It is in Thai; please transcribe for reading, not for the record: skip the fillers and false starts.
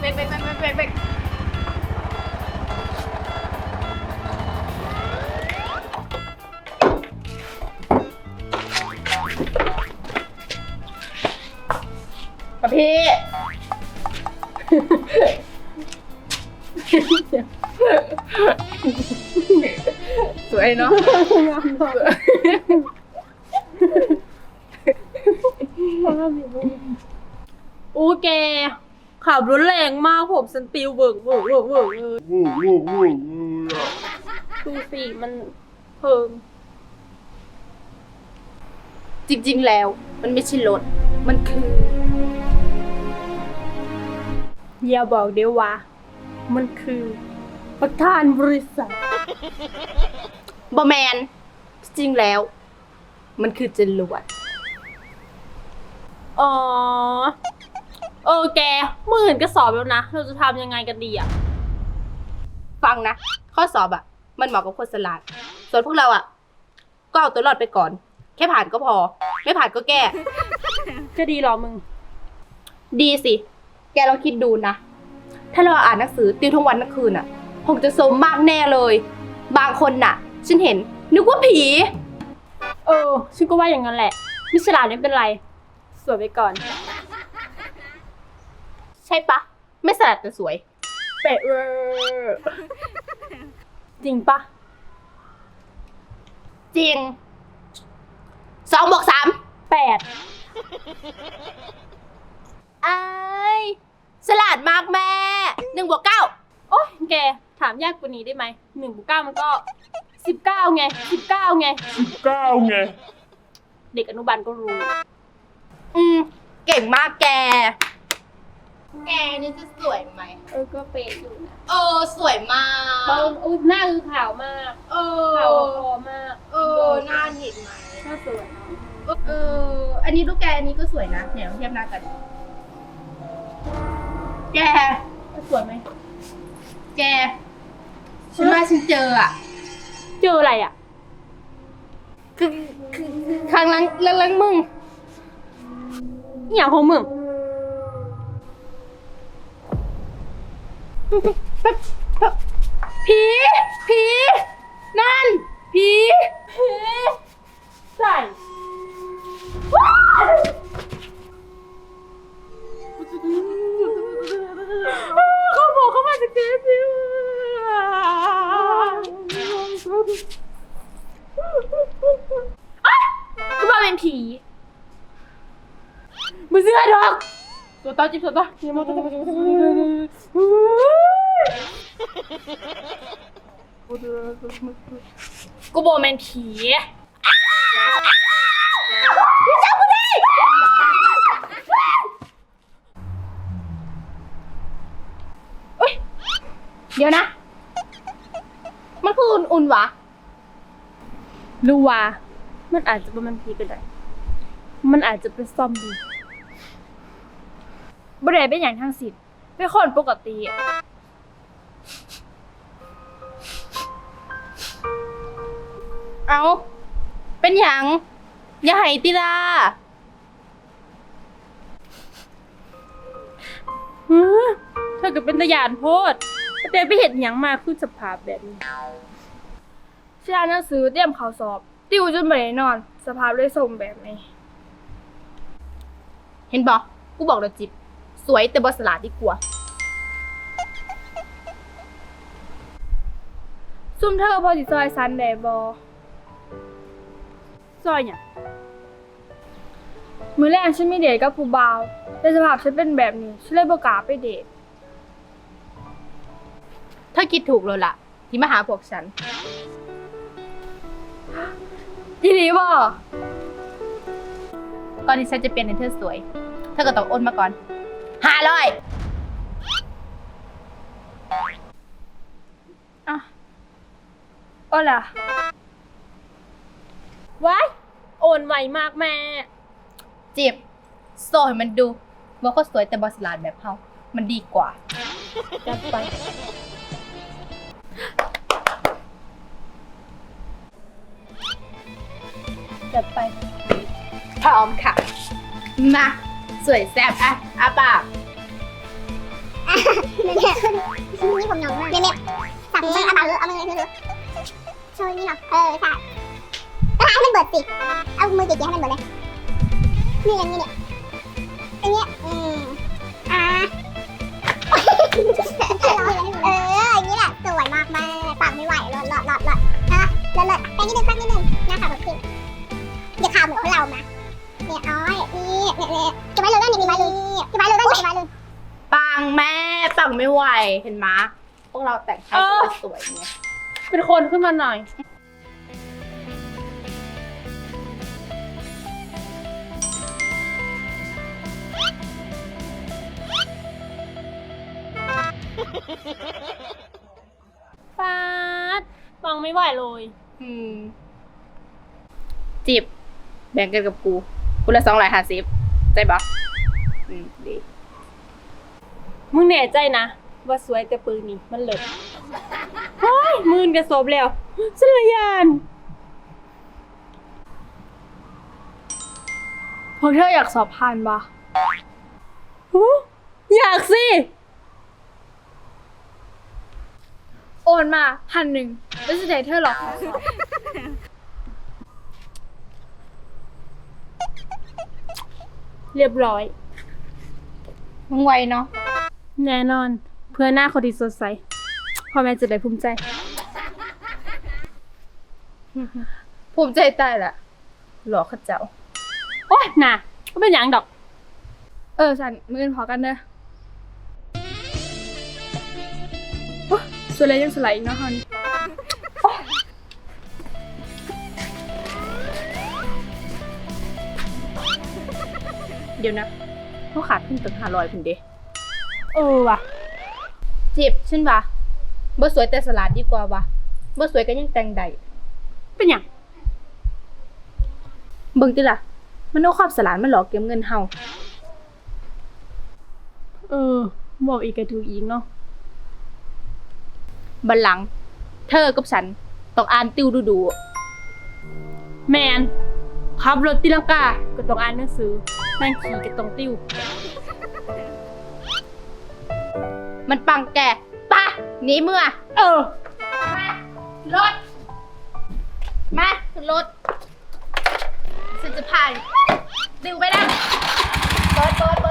เบรกพี่ สวยเนาะอู้แกขับรถแรงมากผมฉันปิวเวิร์กเลยดูสิมันเพิงจริงๆแล้วมันไม่ใช่รถมันคืออย่าบอกเดี๋ยวว่ามันคือประธานบริษัทบอแมนจริงแล้วมันคือจรวดอ๋อแกมื่ออื่นก็สอบแล้วนะเราจะทำยังไงกันดีอ่ะฟังนะข้อสอบอ่ะมันเหมาะกับคนฉลาดส่วนพวกเราอ่ะก็เอาตัวรอดไปก่อนแค่ผ่านก็พอไม่ผ่านก็แก้จะดีเหรอมึงดีสิแกลองคิดดูนะถ้าเราอ่านหนังสือติวทั้งวันทั้งคืนอ่ะคงจะสมมากแน่เลยบางคนน่ะฉันเห็นนึกว่าผีฉันก็ว่าอย่างนั้นแหละไม่ฉลาดไม่เป็นไรสวยไปก่อนใช่ปะไม่ฉลาดแต่สวยเป๊ะเวอร์จริงปะจริง2 บวก 3 8 ไอ้ฉลาดมากแม่1 บวก 9 โอ๊ยแกถามยากกว่านี้ได้ไหม1 บวก 9มันก็19ไง19ไงเด็กอนุบาลก็รู้เก่งมากแกนี่จะสวยไหมก็เป๊ะอยู่นะสวยมากหน้าคือขาวมากขาวคอมากหน้าเห็นไหมหน้าสวยนะอันนี้ลูกแกอันนี้ก็สวยนะเนี่ยเทียบหน้ากันแกสวยไหมแกฉันว่าฉันเจออ่ะเจออะไรอ่ะคือข้างหลังมึงอหย่างของมึงผีนั่นผีใส่เขาบอกเขามาจากเจสิวก็มาเป็นผีมึงเสื้อดอกตัวต่อจิบตัวต่อยังมาตัวต่อกูบอกแมนผีพี่เจ้ากูดิเดี๋ยวนะ มันคืออุ่นๆวะรู้ว่ามันอาจจะเป็นมันผีก็ได้มันอาจจะเป็นซอมบี้บ่ได้เป็นอย่างทั้งสิ้นเป็นคนปกติเอาเป็นหยังอย่าให้ติลาเธอก็เป็นตะยานโพดแต่ไปเห็นหยังมาคือสภาพแบบนี้ชาหนังสือเตรียมข่าวสอบ ติวจนไม่ได้นอน สภาพเลยส่งแบบนี้เห็นบอกกูบอกแล้วจิบสวยแต่บสลาดดีกว่าซุ่มเธอพอสิซอยซันแดบอซอยเนี่ยมื้อแรกฉันไม่เดทกับผู้บ่าวแต่สภาพฉันเป็นแบบนี้ฉันเลยบ่กล้าไปเดทเธอคิดถูกเลยล่ะ ที่มาหาพวกฉันอีหลีบ่ก่อนที่ฉันจะเปลี่ยนให้เธอสวย เธอก็ต้องโอนมาก่อน500 อ่ะโอ้ล่ะว้ายโอนไวมากแม่จิบโซ่ให้มันดูว่าเขาสวยแต่บสลาดแบบเฮามันดีกว่าจัดไป จัดไปพร้อมค่ะ มา สวยแซ่บอ่ะอาปากเนี่ยนี่ผมยองมากเนี่ยสั่งมันเอามือถือโชว์นี่เนาะใช่ก็ให้มันเบิดสิเอามือเกี่ยให้มันเบิดเลยนี่อย่างนี้เนี่ยอันเนี้ยอย่างนี้แหละสวยมากแม่ปังไม่ไหวหลอดนะเลิศแป้งนิดนึงนะคะแบบนี้อย่าข่าวเหมือนพวกเรานะเนี่ยอ้อยนี่จะไว้เลยนี่จะไว้เลยปังแม่ปังไม่ไหวเห็นไหมพวกเราแต่งให้สวยๆไงเป็นคนขึ้นมาหน่อย ฟาดฟังไม่ไหวเลยจิบแบ่งกันกับกูละ250ใจปะดีมึงแน่ใจนะ ว่าสวยแต่ปืนนี่มันเลิศเฮ้ยมืนกระสบแล้วฉันละยานพวกเธออยากสอบผ่านปะอยากสิ โอนมา1,000แล้วจะได้เธอหรอกขอสอบเรียบร้อยมึงไวเนาะแน่นอน เพื่อหน้าคนที่สดใสพ่อแม่จะได้ภูมิใจภูมิใจใต้แหละหลอกข้าเจ้าโอ๊ยน่ะก็เป็นอย่างดอก สันมือกันพอกันเด้อโอ๊ยส่วนอะไรยังสไลด์อีกเนาะฮอนโอ๊ยเดี๋ยวนะเขาขาดขึ้นตึง500คุณเดว่ะจิบฉันวะบ่สวยแต่สลัดดีกว่าวะบ่สวยก็ยังแต่งได้เป็นอย่างเบิ่งติล่ะ มันเอาความสลัดมาหลอกเก็บเงินเฮาบอกอีกก็ถูกอีกเนาะบัดหลัง เธอกับฉันต้องอ่านติวดูแมนขับรถตีลังกาก็ต้องอ่านหนังสือนั่งขี่ก็ต้องติ้วๆมันปังแกปะหนีเมื่อ รถ มาขึ้นรถฉันจะพาติวไปนะเปิด